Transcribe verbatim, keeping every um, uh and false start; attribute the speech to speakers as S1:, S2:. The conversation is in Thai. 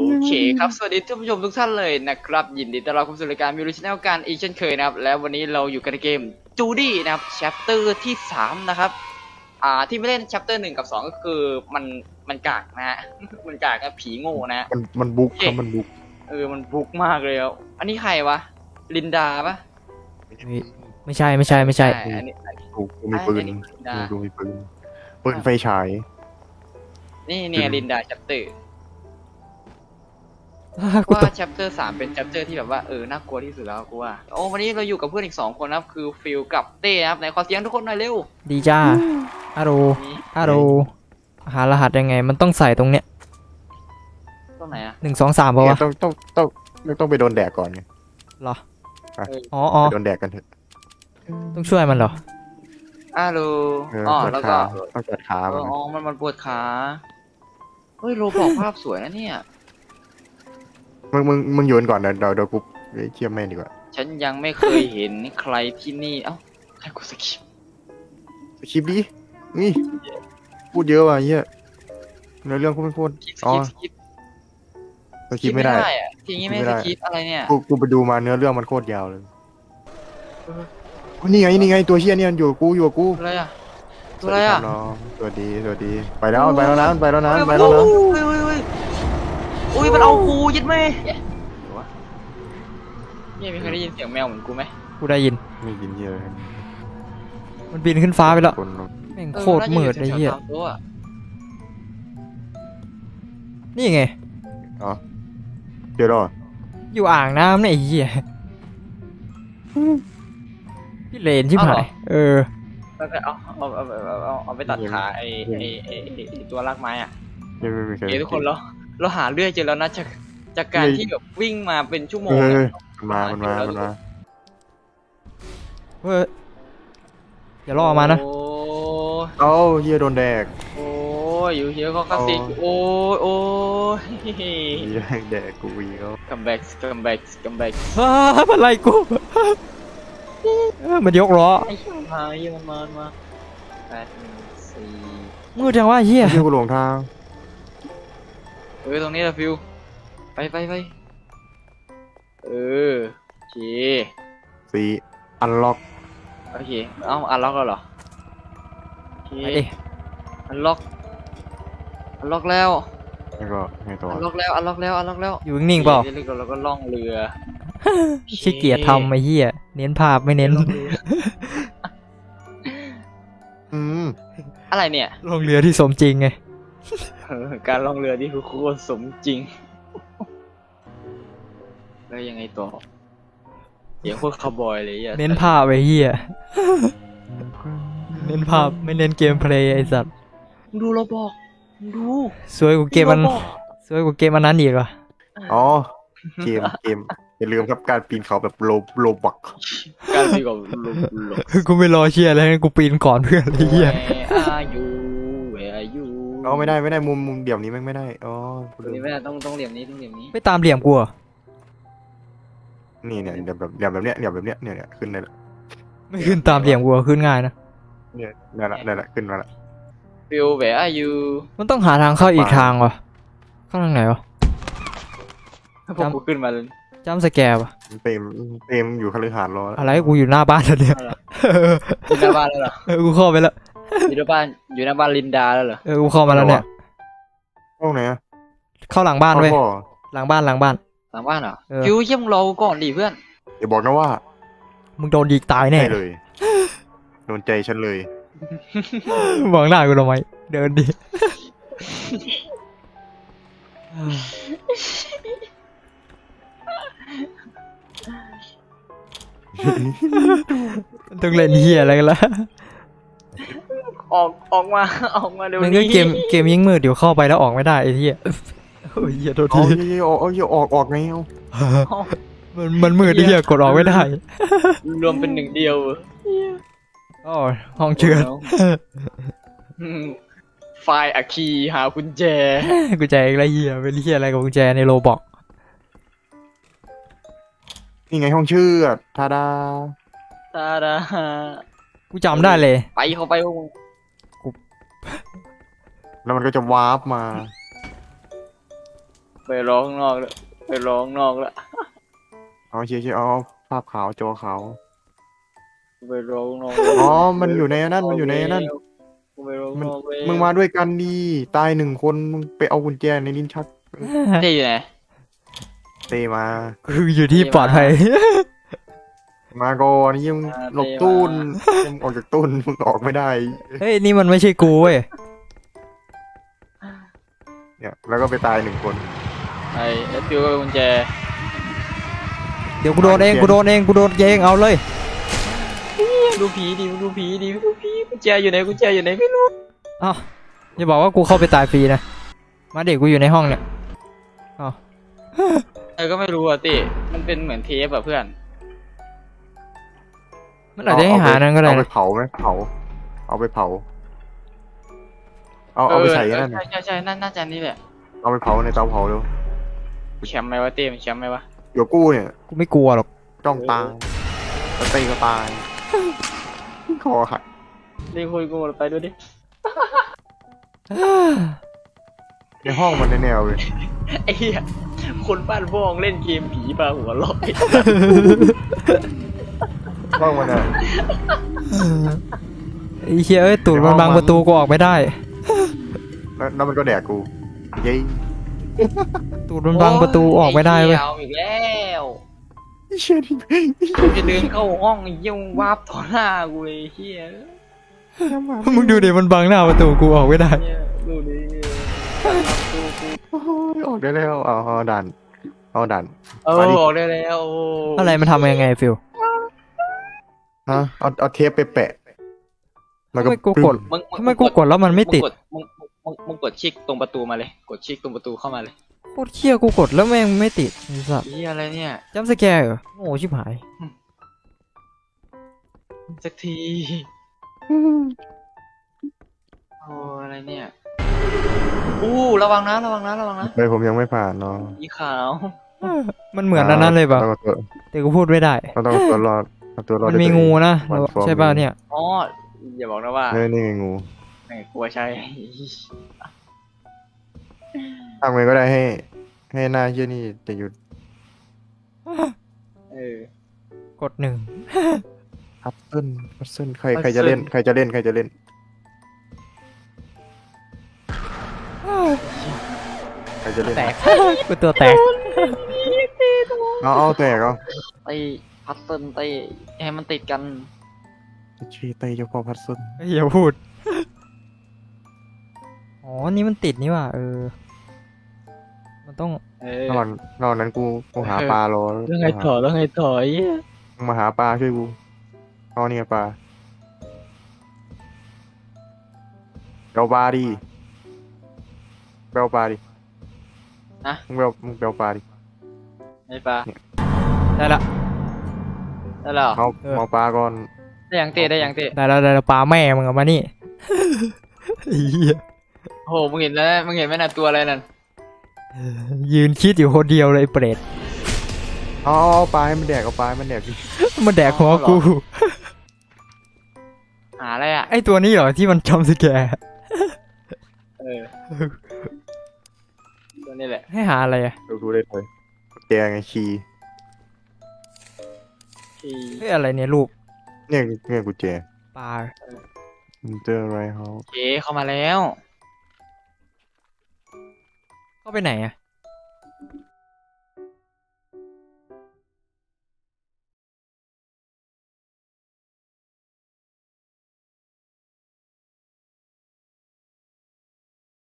S1: เคครับสวัสดีท่านผู้ชมทุกท่านเลยนะครับยินดีต้อนรับเข้าสู่รายการมิวสิชแนลการอีกเช่นเคยนะครับแล้ววันนี้เราอยู่กันในเกมจูดี้นะครับแชปเตอร์ที่สามนะครับอ่าที่ไม่เล่นแชปเตอร์หนึ่งกับสองก็คือมันมันกากนะฮะ มันกากนะผีโง่นะ
S2: มันมันบุกครับมันบุก
S1: เออมันบุกมากเลยอ่ะอันนี้ใครวะลินดาปะ
S3: ไม่ใช่ไม่ใช่ไม่ใช่
S1: อันนี้อันนี้
S2: กูกูมีปืน
S1: อันนี้ลินดา
S2: กูมีปืนปืนไฟฉาย
S1: นี่เนี่ยลินดาแชปเตอร์
S3: กูต
S1: ว่าก แชปเตอร์สามเป็นแชปเตอร์ที่แบบว่าเออน่ากลัวที่สุดแล้วกูว่าโอ้วันนี้เราอยู่กับเพื่อนอีกสองคนนะครับคือฟิลกับเต้นะครับไหนขอเสียงทุกคนหน่อยเร็ว
S3: ดีจ้าอาโร
S1: นี่
S3: อาโรหารหัสยังไงมันต้องใส่ตรงเนี้ย
S1: ตรงไหนอะ
S3: หนึ่งสองสามป่าวะ
S2: ต้องต้องต้องต้องไปโดนแดกก่อนไง
S3: เหรอ
S2: อ่ะ
S3: อ๋ออ๋อ
S2: ไปโดนแดกกันเถอะ
S3: ต้องช่วยมันเหรอ
S1: อ้าโล
S2: เออ
S1: อ๋อ
S2: ปวด
S1: แล้ว
S2: ขา
S1: ก็
S2: ต้องจัดขา
S1: เอ
S2: มั
S1: อน อ๋อมันมันปวดขาเฮ้ยโรบอกภาพสวยนะเนี่ย
S2: มึงมึงมึงโยนก่อนเดี๋ยวเดี๋ยวเดี๋ยวกูเชี่ยแม่งดีกว่า
S1: ฉันยังไม่เคยเห็นใครที่นี่เอ้าใครกูสกิป
S2: สคริปต์ดินี่พูดเยอะว่ะเฮียในเรื่องพูดไม่พูด
S1: ส
S2: อ๋อ
S1: กิปสกิป
S2: สคริปต์ไม่ได้
S1: อะทีนี้ไม่
S2: ไม่ได้
S1: สกิปอะไรเนี่ย
S2: กูกูไปดูมาเนื้อเรื่องมันโคตรยาวเลยนี่ไงนี่ไงตัวเชี่ยเนี่ยอยู่กับกูอยู่กับกู
S1: อะไรอะตัวอะไรอะ
S2: สวัสดีคบน้องสวัสดีสวัสดีไปแล้วไปแล้วนะไปแล้วนะไปแล้วนะ
S1: เฮ้ยเฮ้ยเฮ้ยอุ้ยมันเอากูยึดไหมเนี่ยมีใครได้ยินเสียงแมวเหมือนกูไหม
S3: กูได้ยิน
S2: ไม่ยินเฮียเลย
S3: มันบินขึ้นฟ้าไปแล้ว
S2: คน
S3: แม่งโคตรมืดไอ้เหี้ย
S1: ออน่าจะอแถวๆตามตัวอะ
S3: นี่ไง
S2: อ๋อเดี๋ยวรอ
S3: อยู่อ่างน้ำเนี่ยไอ้เหี้ยพี่เลนชิบหายเออ
S1: แล้วก็เอาเอาเอาเอาเอาเอาไปตัดขาไอ้ไอ้ไอ้ไอ้ไอ้ตัวรากไม้อ่ะ
S2: ยังไม่มีใคร
S1: เดี๋ยวทุกคนเราเราหาเรื่อยเจอแล้วนะจากจากการที่แบบวิ่งมาเป็นชั่วโมง
S2: เฮ้ย
S1: อะ
S2: มันมามันมามันมา
S3: เฮ้ยอย่าล่อมานะ
S1: โอ้
S2: เอ้าเฮียโดนแดก
S1: โอ้ยอยู่เฮียก็คลาสสิกโอ้ยโอ้ย
S2: เฮียแดกกูอีกแล้ว
S1: คัมแบ็กคัมแบ็กคัมแบ็ก
S3: อ้ามันไล่กูเออมันยกล้อ
S1: ไอ้เหี้ยมาเหี้ยมันมามันมาแปดหนึ่งสี่
S3: มืดจังวะไอ้เหี้ย
S2: เฮียกูหลงทาง
S1: เออตรงนี้แหละฟิวไปไปไปเออโอเค
S2: สีอันล็อก
S1: โอเคเอ้าอันล็อกแล้วเหรอโอเค
S3: ไปดิ
S1: อันล็อกอันล็อกแล้ว
S2: แล้วก็ไงต่อ
S1: อันล็อกแล้วอันล็อกแล้วอันล็อกแล้ว
S3: อยู่นิ่งๆเปล่า
S1: ดี๋ยวเราก็ล่องเรือ
S3: ขี้เกียจทำไอ้เหี้ยเน้นภาพไม่เน้น
S1: ล่องรือ
S2: อืม
S1: อะไรเนี่ย
S3: ลงเรือที่สมจริงไง
S1: เออการล่องเรือที่คือโคตรสมจริงแล้วยังไงต่อเสียงโคตรคาวบอยเลยอ่ะ
S3: เน้นภาพไอ้เหี้ยเน้นภาพไม่เน้นเกมเพลย์ไอ้สัตว์
S1: มึงดูเราบอกมึงดู
S3: สวยกว่าเกมมัน
S1: ดูราบอก
S3: สวยกว่าเกมอันนั้นอีกว่ะ
S2: อ๋อเกมเกมอย่าลืมครับการปีนเขาแบบโลโลบัก
S1: การที่กับลุกลุก
S3: กูไม่รอเชียร์แล้วกูปีนก่อนเพื่อนไอ้เหี้ย
S1: อายุเวอายุ
S2: อ๋อไม่ได้ไม่ได้มุมมุมเดี่ยวนี้แม่งไม่ได้อ๋อกู
S1: ตรง
S2: ลื
S1: นี้
S2: ม
S1: ไม่ได้ต้องต้องเหลี่ยมนี้ต้องเหลี่ยมนี้
S3: ไม่ตามเหลี่ยมกูเหรอ
S2: นี่เนี่ยเดี๋ยวแบบเดี๋ยวแบบเนี้ยเดี๋ยวแบบเนี้ยเนี่ยเนี่ยขึ้นได้ละ
S3: ไม่ขึ้นตามเหลี่ยมกูเหรอขึ้นง่ายนะ
S2: เนี่ยได้ละได้ละขึ้นมาละ
S1: ฟิวเวอายุ
S3: มันต้องหาทางเข้าอีกทางว่ะเข้าทางไหนวะ
S1: พวกกูขึ้นมาเลย
S3: จำสแกร์วะ
S2: เต็มเต็มอยู่คฤหาสน์รอแล้ว
S3: อะไรกูอยู่หน้าบ้านแล้วเนี่ย
S1: อยู่หน้าบ้านแล้วเหรอ
S3: เออกูเข้าไปแล้ว
S1: อยู่หน้าบ้านอยู่หน้าบ้านลินดาแล้วเหรอ
S3: เออกูเข้ามาแล้วเนี่ย
S2: ห้องไหนอะ
S3: เข้าหลังบ้านเว้ย
S2: พ่อ
S3: หลังบ้านหลังบ้าน
S1: หลังบ้านเหรอ
S3: เออ
S1: ฟิวเยี่ยมงรอกูก่อนดิเพื่อน
S2: อย่าบอกนะว่า
S3: มึงโดนยิงตายแน่
S2: ใช่เลยโดนใจฉันเลย
S3: มองหน้ากูทำไมเดินดิ ต้องเล่นเฮียอะไรกันละ
S1: ออกออกมาออกมาเดี๋ยว
S3: มันก็
S1: นี้
S3: เกมเกมยิ่งมืดเดี๋ยวเข้าไปแล้วออกไม่ได้ไอ้เหี้ยโอ้ยเหี้ยโทษ
S2: เอา
S3: ที
S2: เยอะๆออกเอาเยอะๆออกออกไงเอา
S3: มันมันมืดไอ้เหี้ยกดออกไม่ได้
S1: รวมเป็นหนึ่งเดียว
S3: อ๋อห้องเชือด
S1: อืมไฟล์อะคีย์หากุญแจ
S3: กุญแจอะไรเหี้ยเป็นเหี้ยอะไรกับกุญแจในโรบอก
S2: นี่ไงห้องชื่อทาดา
S1: ตาดา
S3: กูจำได้เลย
S1: ไปเข้าไปพวกมึง
S2: แล้วมันก็จะวาร์ปมา
S1: ไปร้องนอกแล้วไปร้องนอกแล้ว
S2: เอาเชียร์เชียร์เอาภาพขาวจอขาว
S1: ไปร้องนอก
S2: อ๋อมันอยู่ในนั่นมันอยู่ในนั่น
S1: ไปร้อง
S2: มัน
S1: นอกแล้ว
S2: มึงมาด้วยกันดีตายหนึ่งคนมึงไปเอากุญแจในลิ้นชัก
S1: เจ๊อยู่ไหน
S2: เตมา
S3: คืออยู่ที่ปลอดภัย
S2: มาก่อนนี่ยังหลบตู้นมึงออกจากตู้นมึงออกไม่ได้
S3: เฮ้ยนี่มันไม่ใช่กูเว้ย
S2: เนี่ยแล้วก็ไปตายหนึ่งคน
S1: ไอ้แล้วฟิวก็เป็นกุญแจ
S3: เดี๋ยวกูโดนเองกูโดนเองกูโดนเองเอาเลย
S1: ดูผีดิดูผีดิดูผีกุญแจอยู่ไหนกุญแจอยู่ไหนไม่รู้
S3: อ้าวอย่าบอกว่ากูเข้าไปตายฟรีนะมาเด็กกูอยู่ในห้องเนี่ยอ้าว
S1: เออก็ไม่รู้อ่ะติมันเป็นเหมือนเทปอ่ะเพื่อน
S3: มันอาจจะให้หานั่นก็ได้
S2: เอาไป
S3: นะ
S2: เผาไหมเผา เอาไปเผา เอาเอาไปใส่นั่น
S1: ใช่ใช่ใช่น่าจะนี่แหละ
S2: เอาไปเผาในเตาเผาเร็ว
S1: แชมป์ไหมวะเต้มแชมป์ไหมวะ
S2: เดี๋ยวกู้เนี่ย
S3: กูไม่กลัวหรอก
S2: จ้องตายแล้วตีก็ตายคอหัก
S1: เรียกคุยกูไปด้วยดิ
S2: ในห้องมันแนวๆเลย
S1: ไอ้เหี้ยคนบ้านบ้องเล่นเกมผีปลาหัวลอย
S2: ห้องมันอะ
S3: ไอ้เหี้ยเอ้ยตูดมันบังประตูกูออกไม่ได้
S2: แล้วแล้วมันก็แดกกูเย้ย
S3: ตูดมันบังประตูออกไม่ได้เว้ย
S1: เอาอีกแล้ว
S2: เชี่ยนี่
S1: กูจะเดินเข้าห้องเยี่ยววาบต่อหน้ากูเลยเฮีย
S3: มึงดูดิมันบังหน้าประตูกูออกไม่ได้
S1: เนี่ยดูดิกูกู
S2: โอ้ยออกได้แล้วเอาเอาดันเอาดัน
S1: เออ
S2: มาดิ
S1: ออกได้แล้วโอ้
S3: อะไรมันทำยังไงฟิล
S2: ฮะเอาเอาเทปไปแปะแล้วก็
S3: ทำไมกูกด
S1: มึง
S3: ทำไมกูกดแล้วมันไม่ติด
S1: งกมึงมึงมึงกดชิกตรงประตูมาเลย กดชิกตรงประตูเข้ามาเลย
S3: โคตรเชี่ยกูกดแล้วแม่งไม่ติดไอ้สัส
S1: เฮียอะไรเนี่ย
S3: จัมป์สแกร์เหรอโง่ชิบหาย
S1: สักที โอ้อะไรเนี่ยอู้ระวังนะระวังนะระวังนะ
S2: เลยผมยังไม่ผ่านเนาะ
S1: อีขาว
S3: มันเหมือนอันนั้นเลยป่ะ
S2: ต้องเอาตัว
S3: แต่กูพูดไม่ได้
S2: เราต้องเอาตัวรอดเอาตัวรอด
S3: มันมี
S2: ด้วยตัวเอ
S3: งูนะ
S2: วันฟอร์ม
S3: ใช่ป่ะเนี่ย
S1: อ๋ออย่าบอกนะว่า
S2: เฮ้ยนี่ไงงู
S1: แม่งกลัวใช่
S2: ทำไงก็ได้ให้ ให้หน้าเชี่ยนี่จะหยุด
S1: เออ
S3: กดหนึ่ง
S2: พัซเซิลพัซเซิลใครใครจะเล่นใครจะเล่นใครจะเล่นใครจะเล่น
S3: แตก กูตัวแตก
S2: เอาเอาแตกเอา
S1: ไอ้พัซเซิลไอ้ให้มันติดกัน
S2: ชีเตยเจ้าพ่อพัซเซิล
S3: อย่าพูด อ๋อ นี่มันติดนี่ว่ะเออ มันต้อง
S1: เออน
S2: อนนอนนั้นกูกูหาปลารอ
S1: แล้วไงถอยแล้วไงถอย
S2: มึงมาหาปลาช่วยกูเอาเนี่ยปลาเบลปลาดิเบลปลาดิ
S1: นะ
S2: มึงเบลมึงเบลปลาดิ
S1: ไอ้ปลา
S3: ได้ละ
S1: ได้แล้วเหรอ
S2: เอา
S3: เออ
S2: เอาปลาก่อน
S1: ได้ยังเตะได้ยังเตะ
S3: ได้แล้วได้แล้วปลาแม่มึงเอามานี่ ไอ้เหี้ย
S1: โอ้โหมึงเห็นแล้วมึงเห็นไหมน่ะตัวอะไรนั่น
S3: ยืนคิดอยู่คนเดียวเลยไอ้เปรต
S2: เอาเอาเอาปลาให้มันแดกเอาปลาให้มันแดกดิ
S3: มันแดกหัวกู
S1: หาอะไรอ่ะ
S3: ไอตัวนี้เหรอที่มันจำสแกร์
S1: เออตัวนี้แหละ
S3: ให้หาอะไรอ่ะ
S2: ดูดูได้เลยแกไงชี
S1: ที่
S3: เฮ้ยอะไรเนี่ยรูป
S2: เนี่ยเนี่ยกุญแจ
S3: ปลา
S2: มันเจออะไรเขา
S1: เจ๊เข้ามาแล้ว
S3: เข้าไปไหนอ่ะ